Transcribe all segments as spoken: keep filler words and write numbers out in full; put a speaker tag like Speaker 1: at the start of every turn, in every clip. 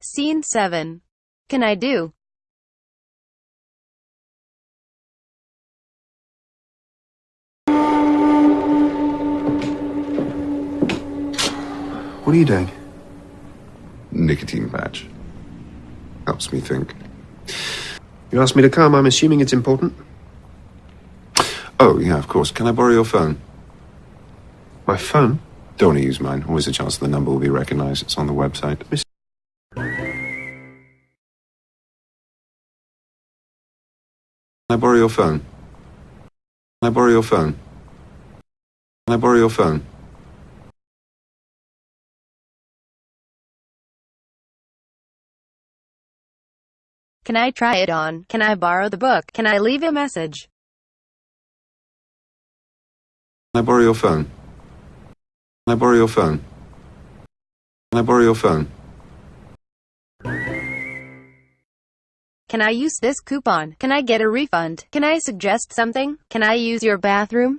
Speaker 1: Scene seven. Can I do?
Speaker 2: What are you doing?
Speaker 3: Nicotine patch. Helps me think.
Speaker 2: You asked me to come. I'm assuming it's important.
Speaker 3: Oh, yeah, of course. Can I borrow your phone?
Speaker 2: My phone?
Speaker 3: Don't want to use mine. Always a chance the number will be recognized. It's on the website.
Speaker 2: Miss-
Speaker 3: Can I borrow your phone? Can I borrow your phone? Can I borrow your phone?
Speaker 1: Can I try it on? Can I borrow the book? Can I leave a message?
Speaker 3: Can I borrow your phone? Can I borrow your phone? Can I borrow your phone?
Speaker 1: Can I use this coupon? Can I get a refund? Can I suggest something? Can I use your bathroom?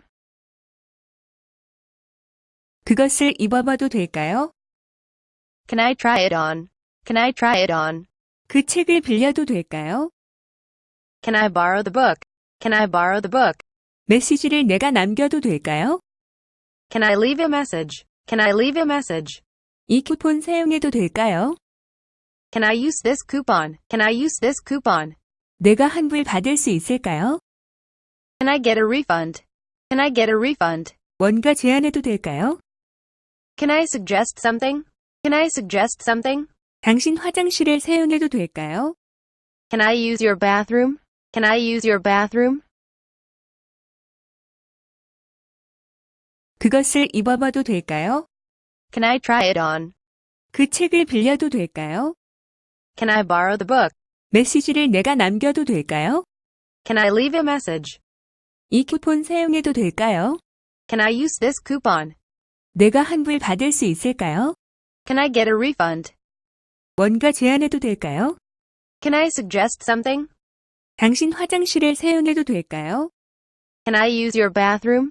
Speaker 4: 그것을 입어봐도 될까요?
Speaker 1: Can I try it on? Can I try it on?
Speaker 4: 그 책을 빌려도 될까요?
Speaker 1: Can I borrow the book? Can I borrow the book?
Speaker 4: 메시지를 내가 남겨도 될까요?
Speaker 1: Can I leave a message? Can I leave a message?
Speaker 4: 이 쿠폰 사용해도 될까요?
Speaker 1: Can I use this coupon? Can I use this coupon?
Speaker 4: 내가 환불 받을 수 있을까요?
Speaker 1: Can I get a refund? Can I get a refund?
Speaker 4: 뭔가 제안해도 될까요?
Speaker 1: Can I suggest something? Can I suggest something?
Speaker 4: 당신 화장실을 사용해도 될까요?
Speaker 1: Can I use your bathroom? Can I use your bathroom?
Speaker 4: 그것을 입어봐도 될까요?
Speaker 1: Can I try it on?
Speaker 4: 그 책을 빌려도 될까요?
Speaker 1: Can I borrow the book?
Speaker 4: 메시지를 내가 남겨도 될까요?
Speaker 1: Can I leave a message?
Speaker 4: 이 쿠폰 사용해도 될까요?
Speaker 1: Can I use this coupon?
Speaker 4: 내가 환불 받을 수 있을까요?
Speaker 1: Can I get a refund?
Speaker 4: 뭔가 제안해도 될까요?
Speaker 1: Can I suggest something?
Speaker 4: 당신 화장실을 사용해도 될까요?
Speaker 1: Can I use your bathroom?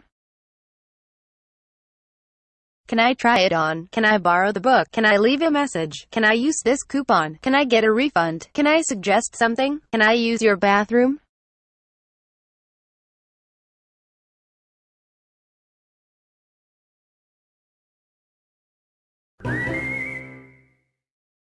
Speaker 1: Can I try it on? Can I borrow the book? Can I leave a message? Can I use this coupon? Can I get a refund? Can I suggest something? Can I use your bathroom?